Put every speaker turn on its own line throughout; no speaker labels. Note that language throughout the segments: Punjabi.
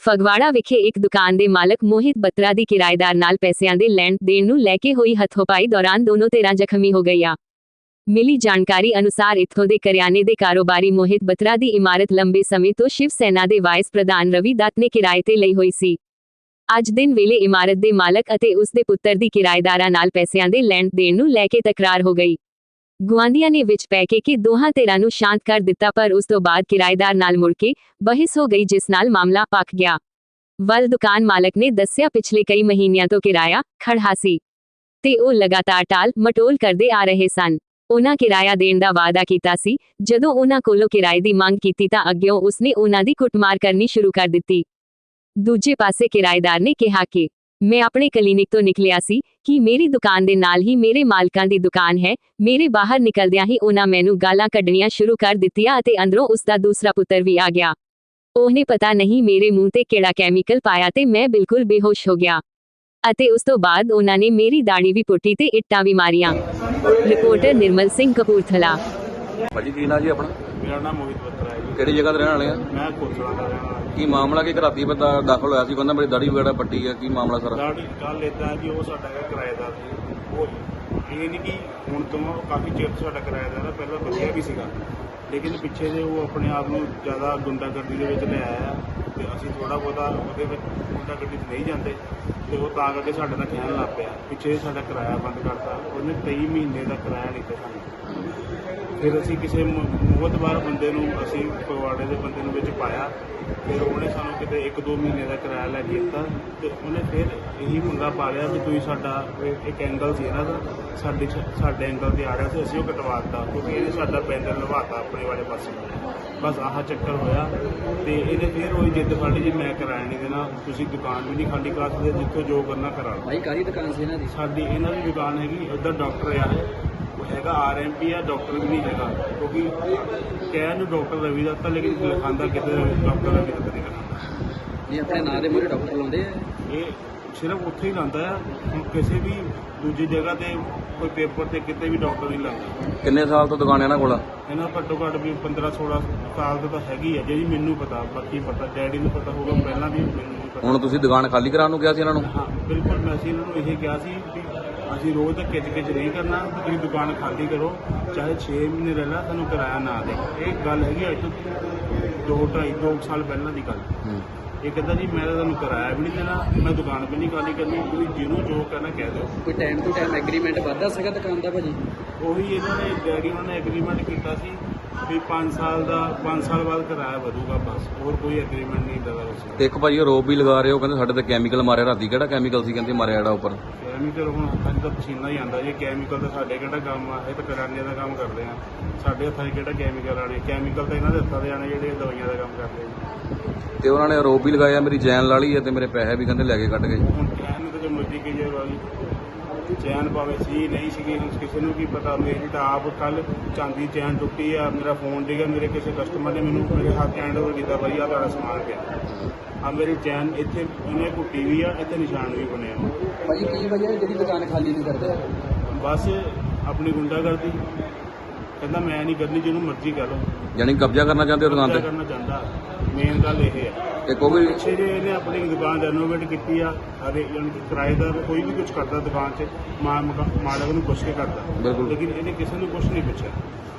ਫਗਵਾੜਾ ਵਿਖੇ ਇੱਕ ਦੁਕਾਨ ਦੇ ਮਾਲਕ ਮੋਹਿਤ ਬੱਤਰਾ ਦੀ ਕਿਰਾਏਦਾਰ ਨਾਲ ਪੈਸਿਆਂ ਦੇ ਲੈਣ ਦੇਣ ਨੂੰ ਲੈ ਕੇ ਹੋਈ ਹੱਥੋਂਪਾਈ ਦੌਰਾਨ ਦੋਨੋਂ ਧਿਰਾਂ ਜ਼ਖਮੀ ਹੋ ਗਈਆਂ। ਮਿਲੀ ਜਾਣਕਾਰੀ ਅਨੁਸਾਰ ਇੱਥੋਂ ਦੇ ਕਰਿਆਨੇ ਦੇ ਕਾਰੋਬਾਰੀ ਮੋਹਿਤ ਬੱਤਰਾ ਦੀ ਇਮਾਰਤ ਲੰਬੇ ਸਮੇਂ ਤੋਂ ਸ਼ਿਵ ਸੈਨਾ ਦੇ ਵਾਈਸ ਪ੍ਰਧਾਨ ਰਵੀ ਦੱਤ ਨੇ ਕਿਰਾਏ ਤੇ ਲਈ ਹੋਈ ਸੀ। ਅੱਜ ਦਿਨ ਵੇਲੇ ਇਮਾਰਤ ਦੇ ਮਾਲਕ ਅਤੇ ਉਸ ਦੇ ਪੁੱਤਰ ਦੀ ਕਿਰਾਏਦਾਰਾਂ ਨਾਲ ਪੈਸਿਆਂ ਦੇ ਲੈਣ ਦੇਣ ਨੂੰ ਲੈ ਕੇ ਤਕਰਾਰ ਹੋ ਗਈ। ਗੁਆਂਢੀਆਂ ਨੇ ਵਿੱਚ ਪੈ ਕੇ ਦੋਹਾਂ ਧਿਰਾਂ ਨੂੰ ਸ਼ਾਂਤ ਕਰ ਦਿੱਤਾ, ਪਰ ਉਸ ਤੋਂ ਬਾਅਦ ਕਿਰਾਏਦਾਰ ਨਾਲ ਮੁੜ ਕੇ ਬਹਿਸ ਹੋ ਗਈ, ਜਿਸ ਨਾਲ ਮਾਮਲਾ ਭਖ ਗਿਆ। ਵੱਲ ਦੁਕਾਨ ਮਾਲਕ ਨੇ ਦੱਸਿਆ ਪਿਛਲੇ ਕਈ ਮਹੀਨਿਆਂ ਤੋਂ ਕਿਰਾਇਆ ਖੜ੍ਹਾ ਸੀ ਤੇ ਉਹ ਲਗਾਤਾਰ ਟਾਲ ਮਟੋਲ ਕਰਦੇ ਆ ਰਹੇ ਸਨ। ਉਹਨਾਂ ਕਿਰਾਇਆ ਦੇਣ ਦਾ ਵਾਅਦਾ ਕੀਤਾ ਸੀ। ਜਦੋਂ ਉਹਨਾਂ ਕੋਲੋਂ ਕਿਰਾਏ ਦੀ ਮੰਗ ਕੀਤੀ ਤਾਂ ਅੱਗਿਓਂ ਉਸਨੇ ਉਹਨਾਂ ਦੀ ਕੁੱਟਮਾਰ ਕਰਨੀ ਸ਼ੁਰੂ ਕਰ ਦਿੱਤੀ। ਦੂਜੇ ਪਾਸੇ ਕਿਰਾਏਦਾਰ ਨੇ ਕਿਹਾ ਕਿ ਮੈਂ ਆਪਣੇ ਕਲੀਨਿਕ ਤੋਂ ਨਿਕਲਿਆ ਸੀ ਕਿ ਮੇਰੀ ਦੁਕਾਨ ਦੇ ਨਾਲ ਹੀ ਮੇਰੇ ਮਾਲਕਾਂ ਦੀ ਦੁਕਾਨ ਹੈ। ਮੇਰੇ ਬਾਹਰ ਨਿਕਲਦਿਆਂ ਹੀ ਉਹਨਾਂ ਮੈਨੂੰ ਗਾਲਾਂ ਕੱਢਣੀਆਂ ਸ਼ੁਰੂ ਕਰ ਦਿੱਤੀਆਂ ਅਤੇ ਅੰਦਰੋਂ ਉਸ ਦਾ ਦੂਸਰਾ ਪੁੱਤਰ ਵੀ ਆ ਗਿਆ। ਉਹਨੇ ਪਤਾ ਨਹੀਂ ਮੇਰੇ ਮੂੰਹ ਤੇ ਕਿਹੜਾ ਕੈਮੀਕਲ ਪਾਇਆ ਤੇ ਮੈਂ ਬਿਲਕੁਲ ਬੇਹੋਸ਼ ਹੋ ਗਿਆ ਅਤੇ ਉਸ ਤੋਂ ਬਾਅਦ ਉਹਨਾਂ ਨੇ ਮੇਰੀ ਦਾੜੀ ਵੀ ਪੁੱਟੀ ਤੇ ਇੱਟਾਂ ਵੀ ਮਾਰੀਆਂ। ਰਿਪੋਰਟਰ ਨਿਰਮਲ ਸਿੰਘ, ਕਪੂਰਥਲਾ।
ਭਾਜੀ ਕੀ ਨਾਂ ਜੀ ਆਪਣਾ?
ਮੇਰਾ ਨਾਮ ਮੋਹਿਤ ਬੱਤਰਾ ਹੈ ਜੀ।
ਕਿਹੜੀ ਜਗ੍ਹਾ ਤੇ ਰਹਿਣ ਵਾਲੇ ਆ?
ਮੈਂ ਕੋਸਲਾ ਦਾ ਰਹਿਣ ਵਾਲਾ।
ਕੀ ਮਾਮਲਾ ਕੀ ਘਰਾਤੀ ਬੰਦਾ ਦਾਖਲ ਹੋਇਆ ਸੀ, ਕਹਿੰਦਾ ਮੇਰੀ ਦਾੜੀ ਵਗੈਰਾ ਪੱਟੀ ਹੈ, ਕੀ ਮਾਮਲਾ ਸਾਰਾ?
ਦਾੜੀ ਗੱਲ ਇਦਾਂ ਜੀ, ਉਹ ਸਾਡਾ ਹੈਗਾ ਕਿਰਾਏਦਾਰ ਸੀ। ਉਹ ਇਹ ਨਹੀਂ ਕਿ ਹੁਣ ਤੋਂ ਕਾਫੀ ਚਿਰ ਤੋਂ ਸਾਡਾ ਕਿਰਾਏਦਾਰ ਹੈ, ਪਹਿਲਾਂ ਵਧੀਆ ਵੀ ਸੀਗਾ, ਲੇਕਿਨ ਪਿੱਛੇ ਜੇ ਉਹ ਆਪਣੇ ਆਪ ਨੂੰ ਜ਼ਿਆਦਾ ਗੁੰਡਾਗਰਦੀ ਦੇ ਵਿੱਚ ਲੈ ਆਇਆ ਤੇ ਅਸੀਂ ਥੋੜਾ ਬਹੁਤਾ ਉਹਦੇ ਵਿੱਚ ਗੁੰਡਾਗਰਦੀ 'ਚ ਨਹੀਂ ਜਾਂਦੇ ਤੇ ਉਹ ਤਾਂ ਕਰਕੇ ਸਾਡੇ ਨਾਲ ਕਹਿਣ ਲੱਗ ਪਿਆ। ਪਿੱਛੇ ਸਾਡਾ ਕਿਰਾਇਆ ਬੰਦ ਕਰਤਾ, ਉਹਨੇ 23 ਮਹੀਨੇ ਦਾ ਕਿਰਾਇਆ ਨਹੀਂ ਦਿੱਤਾ ਸਾਨੂੰ। ਫਿਰ ਅਸੀਂ ਕਿਸੇ ਮੋਹਤਬਾਰ ਬੰਦੇ ਨੂੰ, ਅਸੀਂ ਫਗਵਾੜੇ ਦੇ ਬੰਦੇ ਨੂੰ ਵਿੱਚ ਪਾਇਆ, ਫਿਰ ਉਹਨੇ ਸਾਨੂੰ ਕਿਤੇ 1-2 ਮਹੀਨੇ ਦਾ ਕਿਰਾਇਆ ਲੈ ਕੇ ਦਿੱਤਾ ਤੇ ਉਹਨੇ ਫਿਰ ਇਹੀ ਪੰਗਾ ਪਾ ਲਿਆ ਵੀ ਤੁਸੀਂ ਸਾਡਾ ਇੱਕ ਐਂਗਲ ਸੀ ਇਹਨਾਂ ਦਾ, ਸਾਡੇ ਐਂਗਲ ਤੇ ਆ ਰਿਹਾ ਸੀ, ਅਸੀਂ ਉਹ ਕਟਵਾ ਦਿੱਤਾ ਕਿਉਂਕਿ ਇਹਨੇ ਸਾਡਾ ਪੈਂਡਲ ਲਵਾਤਾ ਆਪਣੇ ਵਾਲੇ ਪਾਸੇ। ਬਸ ਆਹ ਚੱਕਰ ਹੋਇਆ ਤੇ ਇਹਨੇ ਫਿਰ ਉਹੀ ਜਿੱਦ ਫੜੀ ਜੀ ਮੈਂ ਕਿਰਾਇਆ ਨਹੀਂ ਦੇਣਾ, ਤੁਸੀਂ ਦੁਕਾਨ ਵੀ ਨਹੀਂ ਖਾਲੀ ਕਰ ਸਕਦੇ, ਜਿੱਥੋਂ ਜੋ ਕਰਨਾ ਕਰਾ ਲਓ।
ਭਾਈ ਕਾਹਦੀ ਦੁਕਾਨ ਸੀ ਇਹਨਾਂ ਦੀ?
ਸਾਡੀ ਇਹਨਾਂ ਦੀ ਦੁਕਾਨ ਹੈਗੀ, ਉੱਧਰ ਡਾਕਟਰ ਆ, ਉਹ ਹੈਗਾ RMP ਆ, ਡਾਕਟਰ ਵੀ ਨਹੀਂ ਹੈਗਾ ਕਿਉਂਕਿ ਕਹਿਣ ਨੂੰ ਡਾਕਟਰ ਰਵੀ ਦੱਤ ਆ, ਲੇਕਿਨ ਲਿਖਾਂਦਾ ਕਿਤੇ ਡਾਕਟਰ ਰਵੀ ਦੱਤ ਨਹੀਂ ਕਰਦਾ।
ਇਹ ਆਪਣੇ ਨਾਂ ਦੇ ਮੂਹਰੇ ਡਾਕਟਰ ਲਾਉਂਦੇ ਆ?
ਇਹ ਸਿਰਫ ਉੱਥੇ ਹੀ ਲਾਉਂਦਾ ਆ, ਕਿਸੇ ਵੀ ਦੂਜੀ ਜਗ੍ਹਾ ਤੇ ਕੋਈ ਪੇਪਰ ਤੇ ਕਿਤੇ ਵੀ ਡਾਕਟਰ ਨਹੀਂ ਲਾਉਂਦਾ।
ਕਿੰਨੇ ਸਾਲ ਤੋਂ ਦੁਕਾਨ ਇਹਨਾਂ ਕੋਲ?
ਇਹਨਾਂ ਘੱਟੋ ਘੱਟ ਵੀ 15-16 ਸਾਲ ਤੋਂ ਤਾਂ ਹੈਗੀ ਆ, ਜਿਹੜੀ ਮੈਨੂੰ ਪਤਾ, ਬਾਕੀ ਪਤਾ ਡੈਡੀ ਨੂੰ ਪਤਾ ਹੋਊਗਾ, ਪਹਿਲਾਂ ਵੀ ਮੈਨੂੰ ਨਹੀਂ ਪਤਾ।
ਹੁਣ ਤੁਸੀਂ ਦੁਕਾਨ ਖਾਲੀ ਕਰਾਉਣ ਨੂੰ ਕਿਹਾ ਸੀ ਇਹਨਾਂ ਨੂੰ?
ਹਾਂ ਬਿਲਕੁਲ, ਮੈਂ ਅਸੀਂ ਇਹਨਾਂ ਨੂੰ ਇਹ ਕਿਹਾ ਸੀ ਵੀ ਅਸੀਂ ਰੋਜ਼ ਤਾਂ ਕਿਚ ਨਹੀਂ ਕਰਨਾ, ਤੁਸੀਂ ਦੁਕਾਨ ਖਾਲੀ ਕਰੋ, ਚਾਹੇ 6 ਮਹੀਨੇ ਰਹਿ ਲਾ, ਤੁਹਾਨੂੰ ਕਿਰਾਇਆ ਨਾ ਦੇ। ਇਹ ਗੱਲ ਹੈਗੀ ਅੱਜ ਤੋਂ 2 ਸਾਲ ਪਹਿਲਾਂ ਦੀ ਗੱਲ। ਇਹ ਕਹਿੰਦਾ ਜੀ ਮੈਂ ਤੁਹਾਨੂੰ ਕਿਰਾਇਆ ਵੀ ਨਹੀਂ ਦੇਣਾ, ਮੈਂ ਦੁਕਾਨ ਵੀ ਨਹੀਂ ਖਾਲੀ ਕਰਨੀ, ਤੁਸੀਂ ਜਿਹਨੂੰ ਜੋ ਕਹਿਣਾ ਕਹਿ ਦਿਓ।
ਕੋਈ ਟਾਈਮ ਟੂ ਟਾਈਮ ਐਗਰੀਮੈਂਟ ਵੱਧਦਾ ਸੀਗਾ ਦੁਕਾਨ ਦਾ ਭਾਜੀ?
ਉਹੀ ਇਹਨਾਂ ਨੇ ਡੈਡੀ ਉਹਨਾਂ ਨੇ ਐਗਰੀਮੈਂਟ ਕੀਤਾ ਸੀ ਵੀ 5 ਸਾਲ ਬਾਅਦ ਕਿਰਾਇਆ ਵਧੂਗਾ, ਬਸ ਹੋਰ ਕੋਈ ਐਗਰੀਮੈਂਟ ਨਹੀਂ ਦਗਾ ਉਸ।
ਇੱਕ ਭਾਜੀ ਆਰੋਪ ਵੀ ਲਗਾ ਰਹੇ ਹੋ, ਕਹਿੰਦੇ ਸਾਡੇ ਤੇ ਕੈਮੀਕਲ ਮਾਰਿਆ। ਰਾਤੀ ਕਿਹੜਾ ਕੈਮੀਕਲ ਸੀ ਕਹਿੰਦੇ ਮਾਰਿਆ ਜਿਹੜਾ ਉੱਪਰ?
ਕੈਮੀਕਲ ਹੁਣ ਹੱਥਾਂ 'ਚ ਤਾਂ ਪਸੀਨਾ ਹੀ ਆਉਂਦਾ ਜੀ, ਕੈਮੀਕਲ ਤਾਂ ਸਾਡੇ ਕਿਹੜਾ ਕੰਮ ਆ, ਇਹ ਤਾਂ ਕਰਿਆਨੇ ਦਾ ਕੰਮ ਕਰਦੇ ਆ, ਸਾਡੇ ਹੱਥਾਂ 'ਚ ਕਿਹੜਾ ਕੈਮੀਕਲ ਆਣੇ? ਕੈਮੀਕਲ ਤਾਂ ਇਹਨਾਂ ਦੇ ਹੱਥਾਂ ਦੇ ਆਣੇ ਜਿਹੜੇ ਦਵਾਈਆਂ ਦਾ ਕੰਮ ਕਰਦੇ ਆ।
ਤੇ ਉਹਨਾਂ ਨੇ ਆਰੋਪ ਵੀ ਲਗਾਇਆ ਮੇਰੀ ਚੈਨ ਲਾ ਲਈ ਹੈ ਤੇ ਮੇਰੇ ਪੈਸੇ ਵੀ ਕਹਿੰਦੇ ਲੈ ਕੇ ਕੱਢ ਗਏ।
ਹੁਣ ਚੈਨ ਨੂੰ ਤਾਂ ਜੋ ਮਰਜ਼ੀ ਕਹੀ ਜਾਏ ਵਾਲੀ, ਚੈਨ ਭਾਵੇਂ ਸੀ ਨਹੀਂ ਸੀਗੀ, ਹੁਣ ਕਿਸੇ ਨੂੰ ਕੀ ਪਤਾ। ਮੇਰੀ ਤਾਂ ਆਪ ਕੱਲ ਚਾਂਦੀ ਚੈਨ ਟੁੱਟੀ ਆ, ਮੇਰਾ ਫੋਨ ਡਿੱਗਾ, ਮੇਰੇ ਕਿਸੇ ਕਸਟਮਰ ਨੇ ਮੈਨੂੰ ਮੇਰੇ ਹੱਥ ਹੈਂਡ ਓਵਰ ਕੀਤਾ, ਭਾਈ ਆ ਤੁਹਾਡਾ ਸਮਾਨ ਪਿਆ ਆ, ਮੇਰੀ ਚੈਨ ਇੱਥੇ ਇਹਨੇ ਘੁੱਟੀ ਵੀ ਆ, ਇੱਥੇ ਨਿਸ਼ਾਨ ਵੀ ਬਣਿਆ।
ਭਾਜੀ ਕੀ ਵਜ੍ਹਾ ਜਿਹੜੀ ਦੁਕਾਨ ਖਾਲੀ ਨਹੀਂ ਕਰਦੇ?
ਬਸ ਆਪਣੀ ਗੁੰਡਾਗਰਦੀ, ਕਹਿੰਦਾ ਮੈਂ ਨਹੀਂ ਕਰਨੀ, ਜਿਹਨੂੰ ਮਰਜ਼ੀ ਕਰ ਲਓ।
ਯਾਨੀ ਕਬਜ਼ਾ ਕਰਨਾ ਚਾਹੁੰਦੇ ਹੋ ਦੁਕਾਨ ਤੇ?
ਕਰਨਾ ਚਾਹੁੰਦਾ, ਮੇਨ ਗੱਲ ਇਹ ਹੈ।
ਇੱਕ ਉਹ ਵੀ
ਪਿੱਛੇ ਜੇ ਇਹਨੇ ਆਪਣੀ ਦੁਕਾਨ ਰੈਨੋਵੇਟ ਕੀਤੀ ਆ, ਹਰੇ ਯਾਨੀ ਕਿ ਕਿਰਾਏਦਾਰ ਕੋਈ ਵੀ ਕੁਝ ਕਰਦਾ ਦੁਕਾਨ 'ਚ, ਮਾਲਕ ਨੂੰ ਪੁੱਛ ਕੇ ਕਰਦਾ,
ਬਿਲਕੁਲ।
ਲੇਕਿਨ ਇਹਨੇ ਕਿਸੇ ਨੂੰ ਕੁਝ ਨਹੀਂ ਪੁੱਛਿਆ,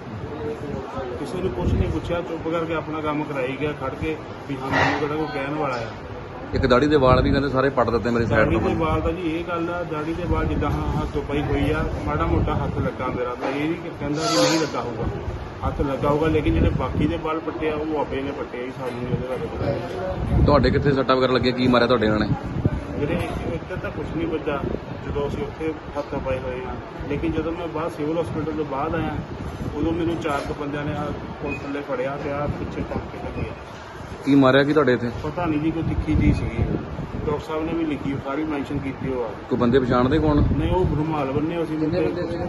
ਕਿਸੇ ਨੂੰ ਕੁਝ ਨਹੀਂ ਪੁੱਛਿਆ, ਚੁੱਪ ਕਰਕੇ ਆਪਣਾ ਕੰਮ ਕਰਾਈ ਗਿਆ ਖੜ ਕੇ ਵੀ ਹਾਂ ਮੈਨੂੰ ਕਿਹੜਾ ਕੋਈ ਕਹਿਣ ਵਾਲਾ ਆ।
ਇੱਕ ਦਾੜੀ ਦੇ ਵਾਲ ਵੀ ਕਹਿੰਦੇ ਸਾਰੇ ਪੱਟ ਦਿੱਤੇ ਮੇਰੀ ਸਾਈਡ
ਦਾੜੀ
ਤੋਂ।
ਦੇ ਵਾਲ ਤਾਂ ਜੀ ਇਹ ਗੱਲ ਆ, ਦਾੜੀ ਦੇ ਵਾਲ ਜਿੱਦਾਂ ਹੱਥੋਂ ਪਈ ਹੋਈ ਆ, ਮਾੜਾ ਮੋਟਾ ਹੱਥ ਲੱਗਾ ਮੇਰਾ, ਤਾਂ ਇਹ ਨਹੀਂ ਕਹਿੰਦਾ ਕਿ ਨਹੀਂ ਲੱਗਾ ਹੋਊਗਾ, ਹੱਥ ਲੱਗਾ ਹੋਊਗਾ, ਲੇਕਿਨ ਜਿਹੜੇ ਬਾਕੀ ਦੇ ਵਾਲ ਪੱਟੇ ਆ ਉਹ ਆਪੇ ਨੇ ਪੱਟੇ ਆ, ਸਾਨੂੰ ਨਹੀਂ ਉਹਦੇ ਬਾਰੇ ਪਤਾ।
ਤੁਹਾਡੇ ਕਿੱਥੇ ਸੱਟਾਂ ਵਗੈਰਾ ਲੱਗੀਆਂ, ਕੀ ਮਾਰਿਆ ਤੁਹਾਡੇ ਇਹਨਾਂ ਨੇ?
ਜਿਹੜੇ ਇੱਧਰ ਤਾਂ ਕੁਛ ਨਹੀਂ ਵੱਜਾ ਜਦੋਂ ਅਸੀਂ ਉੱਥੇ ਹੱਥ ਪਾਏ ਹੋਏ ਆ, ਲੇਕਿਨ ਜਦੋਂ ਮੈਂ ਬਾਹਰ ਸਿਵਲ ਹਸਪੀਟਲ ਤੋਂ ਬਾਅਦ ਆਇਆ, ਉਦੋਂ ਮੈਨੂੰ 4 ਬੰਦਿਆਂ ਨੇ ਪੁਲਿਸ ਥੱਲੇ ਫੜਿਆ ਤੇ ਆ ਪਿੱਛੇ ਟੰਗ ਕੇ ਲੱਗੀ।
ਕੀ ਮਾਰਿਆ ਕੀ ਤੁਹਾਡੇ ਇੱਥੇ?
ਪਤਾ ਨਹੀਂ ਜੀ, ਕੋਈ ਤਿੱਖੀ ਜੀ ਸੀਗੀ, ਡਾਕਟਰ ਸਾਹਿਬ ਨੇ ਵੀ ਲਿਖੀ, ਸਾਰੀ ਮੈਂਸ਼ਨ ਕੀਤੀ ਉਹ ਆ।
ਕੋਈ ਬੰਦੇ ਪਛਾਣਦੇ ਕੌਣ?
ਨਹੀਂ ਉਹ ਰੁਮਾਲ ਬੰਨੇ ਅਸੀਂ,
ਕਿੰਨੇ ਬੰਦੇ ਸੀਗੇ?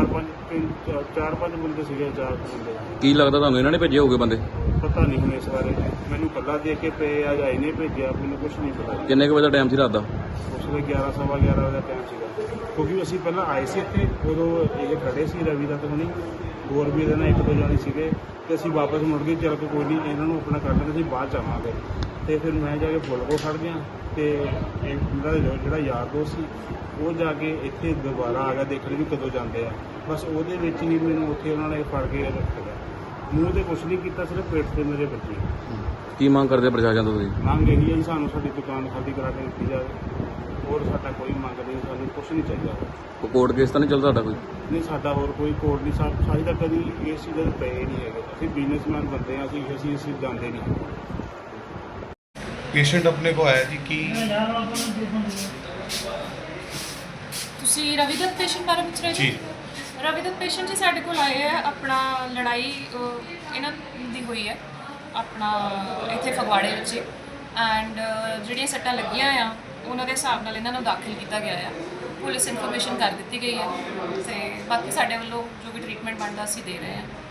4-5 ਬੰਦੇ ਸੀਗੇ, 4 ਬੰਦੇ।
ਕੀ ਲੱਗਦਾ ਤੁਹਾਨੂੰ ਇਹਨਾਂ ਨੇ ਭੇਜੇ ਹੋਗੇ ਬੰਦੇ?
ਪਤਾ ਨਹੀਂ ਹੁਣ ਇਸ ਬਾਰੇ, ਮੈਨੂੰ ਕੱਲਾ ਦੇ ਕੇ ਪਏ ਆ ਜਾਂ ਇਹਨੇ ਭੇਜਿਆ, ਮੈਨੂੰ ਕੁਝ ਨਹੀਂ ਪਤਾ।
ਕਿੰਨੇ ਕੁ ਵਜੇ ਦਾ ਟਾਈਮ ਸੀ ਰਾਤ ਦਾ?
ਉਸ ਵੇਲੇ 11-11:15 ਵਜੇ ਦਾ ਟਾਈਮ ਸੀਗਾ, ਕਿਉਂਕਿ ਅਸੀਂ ਪਹਿਲਾਂ ਆਏ ਸੀ ਇੱਥੇ, ਉਦੋਂ ਇਹ ਖੜੇ ਸੀ ਰਵੀ ਦੱਤ ਹੁਣੀ, ਹੋਰ ਵੀ ਇਹਦੇ ਨਾਲ 1-2 ਜਾਣੇ ਸੀਗੇ ਤੇ ਅਸੀਂ ਵਾਪਸ ਮੁੜ ਕੇ ਚੱਲ ਕੇ ਕੋਈ ਨਹੀਂ ਇਹਨਾਂ ਨੂੰ ਆਪਣਾ ਕਰ ਲੈਂਦੇ ਅਸੀਂ ਬਾਅਦ ਚ ਆਵਾਂਗੇ। ਤੇ ਫਿਰ ਮੈਂ ਜਾ ਕੇ ਪੁਲ ਕੋਲ ਖੜ੍ਹ ਗਿਆ ਤੇ ਇਹਦਾ ਜਿਹੜਾ ਯਾਰ ਦੋਸਤ ਸੀ ਉਹ ਜਾ ਕੇ ਇੱਥੇ ਦੁਬਾਰਾ ਆ ਗਿਆ ਦੇਖਣ ਵੀ ਕਦੋਂ ਜਾਂਦੇ ਆ। ਬਸ ਉਹਦੇ ਵਿੱਚ ਹੀ ਮੈਨੂੰ ਉੱਥੇ ਉਹਨਾਂ ਨੇ ਫੜ ਕੇ ਰੱਖ ਲਿਆ। ਮੂੰਹ ਤੇ ਕੁਛ ਨਹੀਂ ਕੀਤਾ, ਸਿਰਫ ਪੇਟ ਤੇ ਮੇਰੇ ਬੱਚੇ।
ਕੀ ਮੰਗ ਕਰਦੇ ਪ੍ਰਸ਼ਾਸਨ ਤੋਂ ਤੁਸੀਂ?
ਮੰਗ ਇਹੀ ਹੈ ਜੀ ਸਾਨੂੰ ਸਾਡੀ ਦੁਕਾਨ ਖਾਲੀ ਕਰਾ ਕੇ ਦਿੱਤੀ ਜਾਵੇ। ਹੋਰ ਸਾਡਾ ਕੋਈ ਮੰਗ ਨਹੀਂ, ਸਾਨੂੰ ਕੁਛ ਨਹੀਂ ਚਾਹੀਦਾ।
ਕੋਈ ਕੋਰਟ ਕੇਸ ਤਾਂ ਨਹੀਂ ਚੱਲਦਾ ਤੁਹਾਡਾ ਕੋਈ?
ਨਹੀਂ, ਸਾਡਾ ਹੋਰ ਕੋਈ ਕੋਡ ਨਹੀਂ। ਸਾਡੀ ਤਾਂ ਕਦੀ ਇਸ ਚੀਜ਼ ਦੇ ਪਏ ਨਹੀਂ ਹੈਗੇ। ਅਸੀਂ ਬਿਜ਼ਨਸਮੈਨ ਬੰਦੇ ਹਾਂ, ਅਸੀਂ ਜਾਂਦੇ ਨਹੀਂ।
ਪੇਸ਼ੈਂਟ ਆਪਣੇ ਕੋ ਆਇਆ ਜੀ ਕੀ
ਤੁਸੀਂ ਰਵੀਦੱਤ ਪੇਸ਼ੈਂਟ ਬਾਰੇ ਪੁੱਛ ਰਹੇ
ਜੀ।
ਰਵੀਦੱਤ ਪੇਸ਼ੈਂਟ ਜੀ ਸਾਡੇ ਕੋਲ ਆਏ ਆ। ਆਪਣਾ ਲੜਾਈ ਇਹਨਾਂ ਦੀ ਹੋਈ ਹੈ ਆਪਣਾ ਇੱਥੇ ਫਗਵਾੜੇ ਵਿੱਚ ਐਂਡ ਜਿਹੜੀਆਂ ਸੱਟਾਂ ਲੱਗੀਆਂ ਆ ਉਹਨਾਂ ਦੇ ਹਿਸਾਬ ਨਾਲ ਇਹਨਾਂ ਨੂੰ ਦਾਖਲ ਕੀਤਾ ਗਿਆ ਆ। ਪੁਲਿਸ ਇਨਫੋਰਮੇਸ਼ਨ ਕਰ ਦਿੱਤੀ ਗਈ ਹੈ ਤੇ ਬਾਕੀ ਸਾਡੇ ਵੱਲੋਂ ਜੋ ਵੀ ਟ੍ਰੀਟਮੈਂਟ ਬਣਦਾ ਅਸੀਂ ਦੇ ਰਹੇ ਹਾਂ।